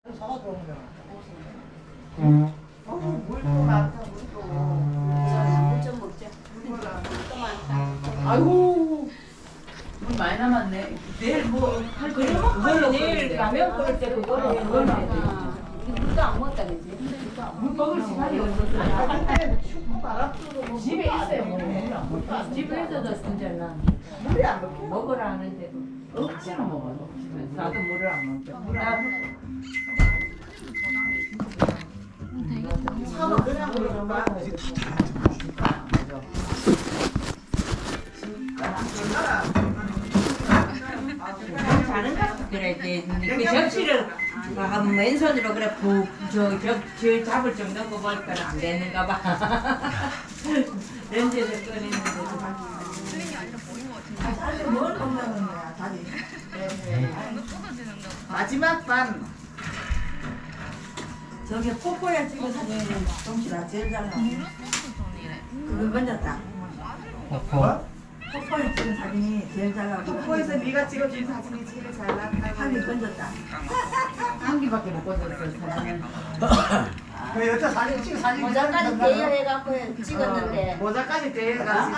사과 들어오잖아. 물도 많다, 물도. 물좀 먹자. 물도 많다. 아이고, 물 많이 남았네. 내일 뭐 할 거야? 그걸로 내일 라면 끓일 때 그거를 물도 안 먹었다 그지? 물 먹을 시간이 없었어. 그때 축구 바람도 집에 있어요. 물안 먹다. 집에서도 진짜나 물이 안 먹혀. 먹으라 하는데도 억지로 먹어. 나도 물을 안 먹죠. 차로 그냥 그러는 거야. 그래 이제 그 접시를 왼손으로 그래 저 잡을 정도 꼽을 거는 안 되는가 봐. 렌즈에서 꺼내는 거. 사실 뭘 먹는 거야, 다리. 마지막 반. 저기 포포에 찍은 사진은 동시라 제일 잘 나와. 그걸 건졌다. 뭐? 포포에 찍은 사진이 제일 잘 나와. 폭포에서 네가 찍어준 사진이 제일 잘 나타나. 한개 건졌다. 한 개밖에 못 꽂았어요. 사진은. 그 여자 사진 찍은 사진. 모자까지 대여해갖고 찍었는데 모자까지 대가지고.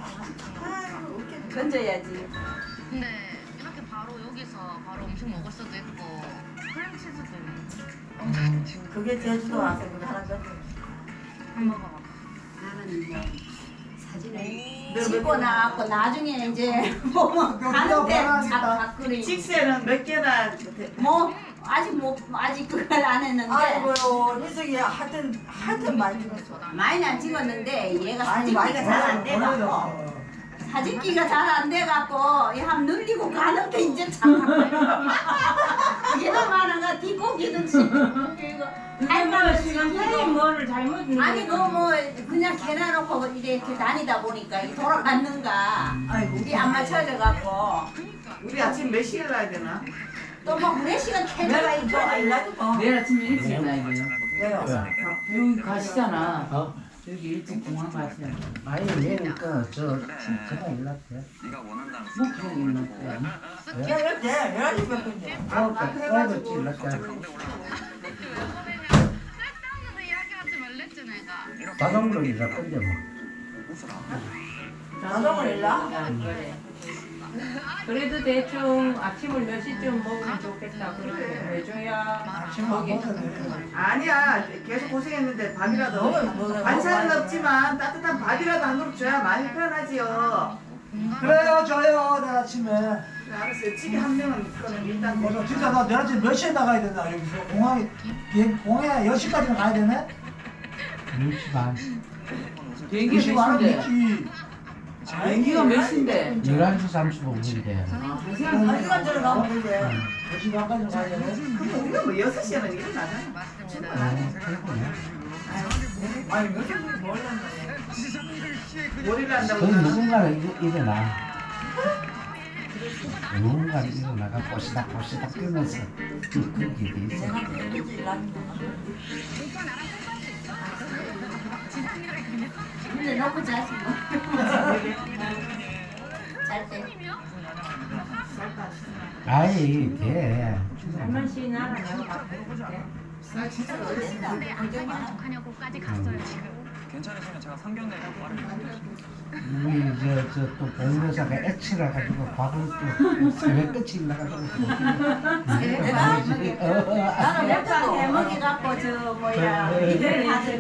건져야지. 근데 이렇게 바로 여기서 바로 음식 먹을 수도 있고 크림치즈도 있네. 그게 제주도 와서 그거 하나 건져. 한번 먹어봐. 나는 이제 사진을 찍고 나왔고 나중에 이제 뭐 가는데 자꾸리 직세는 몇 개나 뭐 아직 그걸 안 했는데 아이고요, 희석이 하여튼 많이 찍었어. 많이는 안 찍었는데 얘가 아니, 사진기가 많이 잘 안 돼갖고 보내줬어. 사진기가 잘 안 돼갖고 한 늘리고 가는 게 이제 참 얘는 많아가 뒷고기든 이거 할머니 선생님 뭐를 잘못 아니 너 뭐 그냥 개놔놓고 이렇게 다니다 보니까 이 돌아갔는가 아이고. 우리 안 맞춰져갖고 우리 아침 몇 시에 가야 되나? 또 뭐 후레 시간 내가 캐내가 이거 있고 알라도 뭐. 내일 아침에 일찍 나야 돼요. 왜요? 여기 가시잖아. 어? 여기 일찍 공항 가시잖아. 아니 얘니까 제가 일났대. 뭐 그런 일 났대. 내가 그때 11시 몇 분이야. 그래도 일났대. 쓸데없는 이야기하지 말랬지 내가. 자동으로 일날 건데 뭐. 자동으로 일나? 그래. 그래도 대충 아침을 몇 시쯤 먹으면 좋겠다. 그렇게 해줘야 거기 아니야, 계속 고생했는데 밥이라도. 먹어. 반찬은 없지만 따뜻한 밥이라도 한 그릇 줘야 많이 편하지요. 그래요, 저요. 내일 아침에. 네, 알았어요. 찌개 한 명은 그거는 일단 맞아, 진짜 나 내일 아침 몇 시에 나가야 되나, 여기서. 공항에 10시까지는 가야 되네? 10시 반. 비행기 10시 반은 몇 시인데? 있지. 비행기가 몇 시인데? 11시 35분인데. 한 한 시간 전에 가면 되지. 10시 반까지는 가야 되네? 근데 우리가 뭐 6시에는 일어나잖아. 맞습니다. 아니, 몇 시간 뭘 한다. 머리를 한다고. 거기 누군가는 일어나. 누군가는 일어나가 꼬시다 끄면서 그 길이 있어. 내가 일찍 일났는데. 근데 놓고 자지 뭐. 잘때 아이 돼. 한번 쉬나 내가 바꿔줄게. 근데 안전하냐고까지 갔어요 지금. 괜찮으시면 제가 상견례 말을 우리 저또 봉여사가 애치라 가지고 밥을 또 새벽 끝이 나가지고. 나는 몇 번도 해먹이 갖고 저 뭐야 이들 하든지.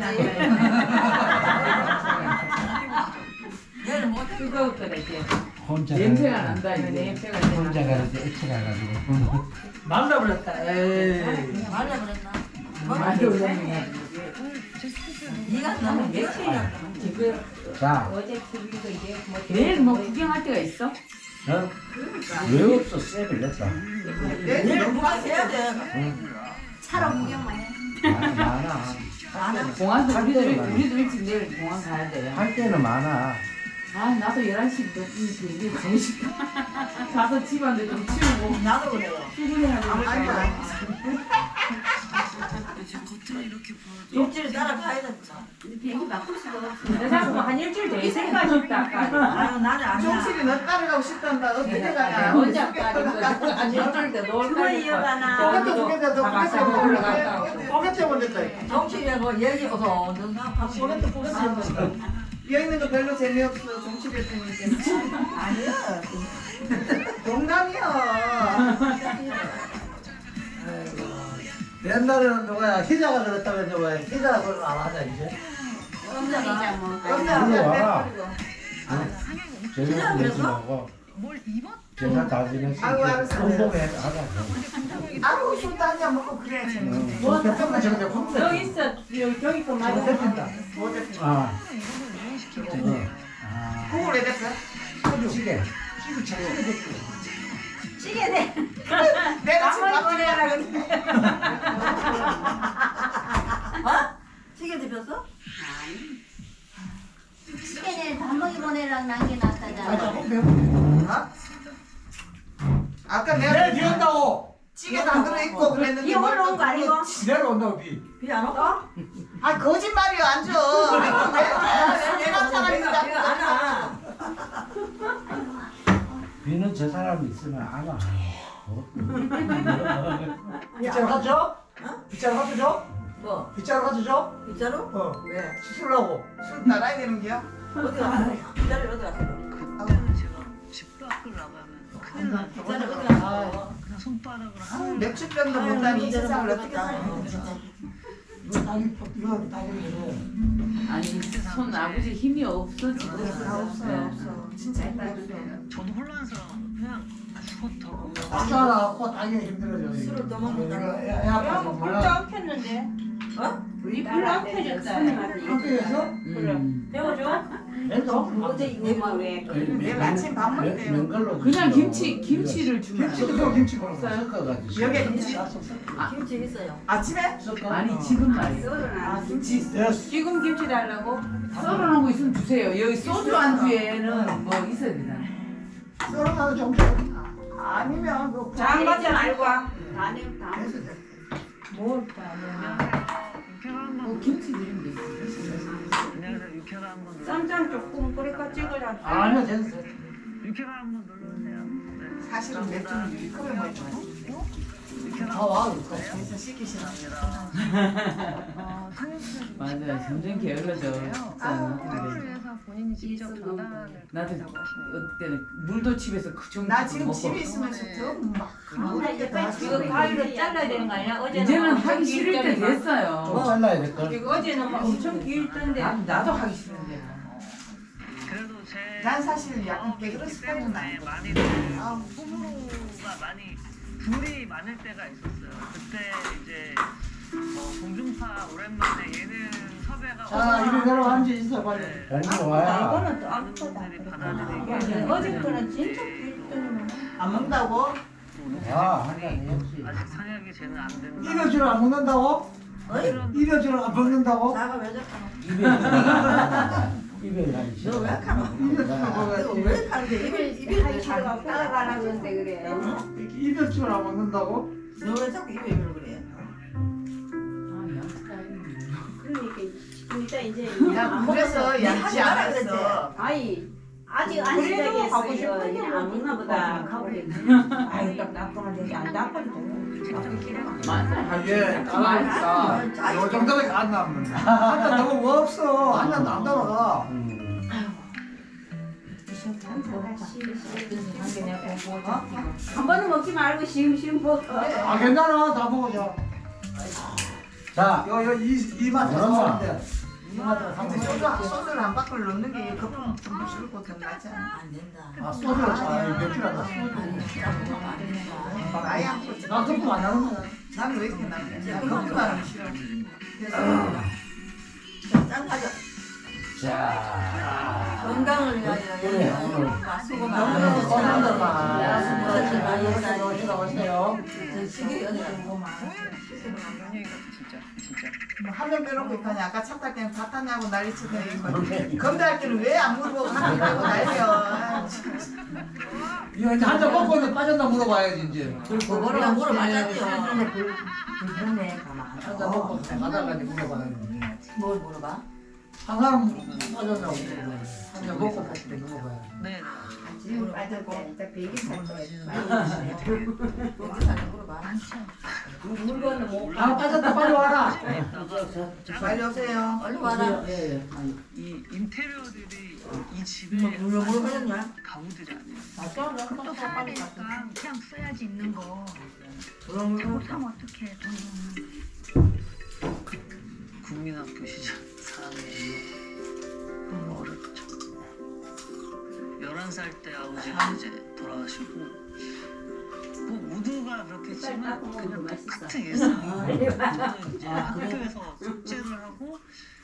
얘를 못 그거 그래 이제 혼자 냄새가 난다 이제 냄새가 혼자 가는데 애치라 가지고. 말라버렸다, 에이. 말려버렸나? 많이 올랐네. 네가 너무 며칠이야. 지금 자, 어제 TV도 이제 뭐 내일 뭐 구경할 데가 있어? 어? 왜 없어? 쌤을 냈다. 내일 누가 해야 돼? 차로 구경만 해. 많아. 나는 공항도 할 우리도 때는 일찍 내일 공항 가야 돼. 할 때는 많아. 아 나도 11시부터 비행기 가고 싶다. 가서 집안들 좀 치우고 나도 그래요. 출근해야 되니까. 입질 따라가야 된다. 비행기 바꿀 수가 없어. 내 자꾸 한 일주일 더 있을까 싶다. 아까. 아유 나는 안 가. 종실이 너 따라가고 싶단다. 어떻게 가냐? 혼자 빠진 거. 한 일주일 더 놀 그걸 이어가나. 포켓 두 개다. 너 포켓 가봤어. 올라갔다. 포켓 때문에 정치라고 얘기 어서 포개트 비어 있는 거 별로 재미없어. 종실이 때문에. 아니야. 농담이야. 옛날에는 누가야 희자가 그랬다면 누가야 희자가 그걸 안 하냐 이제. 남자가 이리 와라. 그냥 제가 그래서? 내지하고 뭘 입었? 제가 다 지냈으니까 아이고, 알았어. 공복에 하자. 아우 술도 한잔 먹고 그래. 뭐 대표가 저런데 콩 여기 있어. 여기 저기 거 맞아. 대표다. 뭐 됐어? 아, 국을 왜 됐어? 찌개. 찌개네. 내가 지금 밥 보내라 그래. 어? 찌개 드셨어? 시계는 밥먹이 보내랑 난게 낫다잖아. 어? 아까 내 내가 비온다고. 찌개도 안 들어있고 그랬는데 비 올라온 거 아니고? 내려 온다고 비. 비 안 올까? 아 거짓말이야 안 줘. 내가 사람이다. 비가 안 와. 비는 저 사람이 있으면 안 와. 빗자루 가져? 빗자루 가져줘? 뭐? 빗자루 가져줘? 빗자루? 어. 왜? 씻으려고. 술 따라야 되는 게야? 어디 갔어? 빗자루 어디 갔어? 제가 집 밖을 나가면 큰일 나. 빗자루 어디 갔어? 그냥 손바닥으로 아우, 맥주병도 못다니 이 세상을 어떻게 살아? 이거 따기는 아니 손 아버지 힘이 없어 지금. 없어. 진짜 저도 혼란스러워. 그냥 헛하고 따기하다 코 따기가 힘들어져. 술을 더 먹는다. 애 아파서 불도 몰라. 안 켰는데. 어? 불도 안 켜졌다. 학교에서? 배워줘. 애도? 어제 이거 왜? 내일 아침 밥 먹을 때요. 맨걸로 그냥 김치를 주면 안 돼? 김치도 김치 먹어. 섞어가지고. 여기에 김치? 김치 있어요. 아침에? 아니 지금 말이야. 아 김치 있어. 지금 김치 달라고? 썰어놓은 거 있으면 주세요. 여기 소주 안주에는 뭐 있어야 되잖아. 썰어놔도 좀 아니면 그 장 받지 말고. 뭘 따냐? 뭐 김치 드리면 되지. 그냥 육회가 한번 눌러. 쌈장 조금 끓일까 찍어라. 아니야 됐어. 육회가 한번 눌러주세요. 네. 사실은 맥주는 유리컵에 먹죠. 와. 그래서 시키시는 맞아, 점점 게을러져. 카페에서 본인이 직접 전달을 나도 어떨 때는 물도 집에서 그 정도 나 지금 먹고. 집에 있으면서 더막 이거 가위로 잘라야 되는 거 아니야? 어제는 이제는 엄청 하기 싫을 때 길더니만. 됐어요. 좀 잘라야 될 걸. 이거 어제는 막 엄청 길던데. 나도 하기 싫은데. 그래도 제 난 사실 약간 게으른 습관은 네, 나. 많이들 호불호가 많이 불이 많을 때가 있었어요. 그때 이제 공중파 오랜만에 예능 섭외가 자 이리 내려앉지 있어 빨리. 공부 와야. 이거는 또 많은 아프다. 분들이 받아들이기 어제 거는 진짜 길더니만. 안 먹는다고? 아, 한잔 해야지. 아직 상향이 쟤는 안 된다. 이별주를 안 먹는다고? 어이? 이별주를 안 먹는다고? 나가 왜 저까? 입에 가기 싫어. 너왜 가노? 이별주를 이거 왜 가는데? 입에 차가 따라가라 그런데 그래. 이별주를 안 먹는다고? 너왜 자꾸 입에 입을 그래? 그러니까 이제 야 그래서 양치 안 했어. 아이 아직 안 그래도 가고 시작했어. 싶은 게 안 먹나 보다. 가고 아이 딱 나쁘면 되지. 안 나빠도 맞아. 예. 맛있어. 요 정도밖에 안 남는다. 한잔 너무 뭐 없어. 한잔 안 따라가. 한 번은 먹지 말고 시음시음 먹어. 아 괜찮아 다 먹어줘. 자, 요 이마트 얼마? 사는데. 이마트 근데 사는데. 소주를 한 바퀴 넣는 게 거품 좀 줄고 더 나지 않아? 안 된다. 아 소주를 아 맥주를 안 아예 안 먹지. 나 거품 안 나는 거야. 나는 왜 이렇게 나는데? 나 거품만 하면 싫어. 짠 가자. 자. 건강을 위하여 그래, 오늘. 수고 너무 많아요. 건강들만. 많이 했어요. 오시다 오세요. 시계 어디 고 한명 빼놓고 있다니 아까 차 탈 때는 다 탔냐고 난리치더니 검사할 때는 왜 안 물어보고 하는 거고 난리야. 이거 이제 한잔 먹고는 빠졌나 물어봐야지 이제. 그거를 물어봐야죠. 불편해 가만. 한잔 먹고 가다가 이제 물어봐야지. 뭘 물어봐? 한 사람 빠져나오고 그냥 먹고 다시 또 먹어봐요. 네. 지금 빠졌고 이따 베이비 살거 물건은 뭐 아 빠졌다 빨리 와라. 빨리 오세요. 얼른 와라. 예, 예. 아니, 이 인테리어들이 이 집에 물 흐르냐? 가구들이 아니에요. 또 사야 되니까 그냥 써야지 있는 거. 그럼 자꾸 사면 어떡해 돈. 국민학교 시절 4학년 어렵죠. 11살 때 아버지가 이제 돌아가시고 뭐 모두가 그렇겠지만 그냥 똑같은 일상이에요. 저는 이제 학교에서 숙제를 하고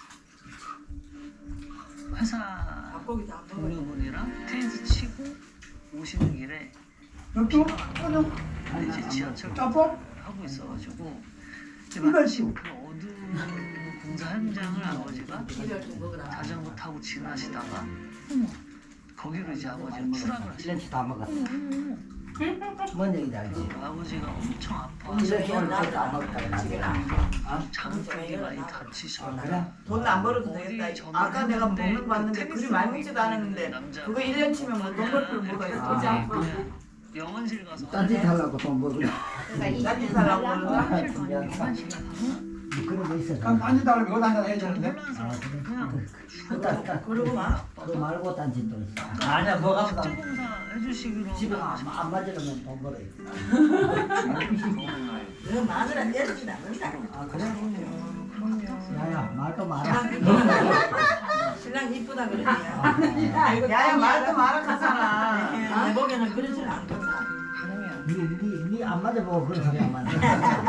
회사 닭고기 다 먹어. 동료분이랑 테니스 치고 오시는 길에 또 근데 이제 지하철 짬뽕? 하고 있어가지고 이제 마침 그 어두운 공사 현장을 아버지가 이걸 좀 먹어라. 자전거 타고 지나시다가 어머 거기로 이제 아버지가 추락을 하시고 1년치 다 먹었어. 뭔 얘기인지 알지? 아버지가 엄청 아파 1년치 오늘 다 먹었다. 집에 나. 장쪽이 많이 다치셔 그래? 돈 안 벌어도 되겠다. 아까 내가 먹는 거 봤는데 그리 많이 먹지도 않았는데 그거 1년 치면 뭐 돈 벌 필요 뭐가 있어. 그냥 영원실 가서 딴짓 하려고 돈 먹으려. 딴짓 하려고 그러는 그런 거 있어. 그럼 딴짓 달라면 이거 한잔 해야 되는데. 혼란스러워 그냥 그러고 마. 그거 말고 딴짓도 있어. 아니야 뭐가 없다. 특공사 해주시기로 집에 안 맞으려면 돈 벌어. 너 마누라 때리진 않는다. 아 그래? 야야 말도 마라. 신랑 이쁘다 그러지. 야야 말도 말아 가잖아. 내 보기에는 그러진 않던데. 니안 맞아보고 그런 소리 안 맞네.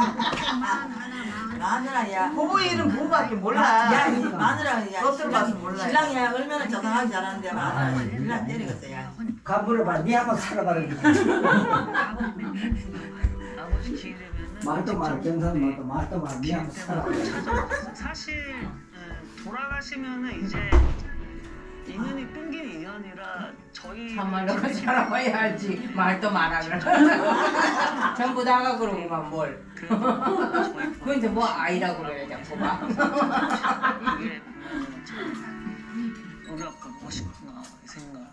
마누라야. 부부 일은 부부밖에 몰라. 야, 이 마누라야. 겉으로 봐서 몰라요. 신랑이야 얼마나 자상하게 잘하는데 마누라 신랑 때리겠어 야. 가물어 봐. 니 한번 살아봐라. 아버지 기회 되면은 말도 말. 경상 말도 말. 니 한번 살아봐라. 찾아왔어요. 사실 돌아가시면은 이제 인연이 끊긴 인연이라 저희 참말로 그 살아봐야 알지. 말도 말하라. 전부 다가 그러고만 뭘. 그건 이제 뭐 아이라고 그래야 자꾸 막. 그게 보면은 참 우리 아빠 멋있구나 이 생각.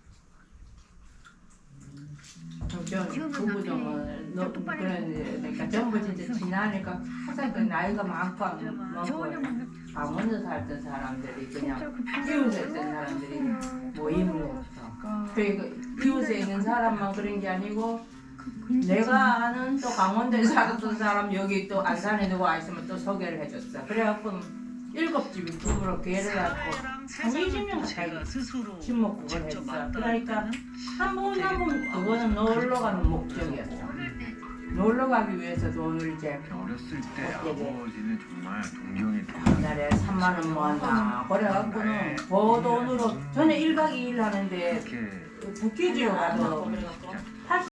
부부정은 그러니까 전부 진짜 지나니까 항상 그 나이가 많고 안 먹고 강원도 살던 사람들이 그냥 이웃에 있던 사람들이 모임을 했어. 그러니까 이웃에 있는 사람만 그런 게 아니고 내가 아는 또 강원도에 살았던 사람 여기 또 안산에 누가 있으면 또 소개를 해줬어. 그래갖고 7집이 부부로 기회를 갖고 한 20명 가까이 집 먹고 그걸 했어. 그러니까 한 번 한 번 그거는 놀러 가는 목적이었어. 놀러 가기 위해서 돈을 이제 어렸을 때 아버지는 정말 동경이 한 달에 3만 원 모았나 그래갖고는 그 돈으로 저는 1박 2일 하는데 이렇게 북귀지로 가서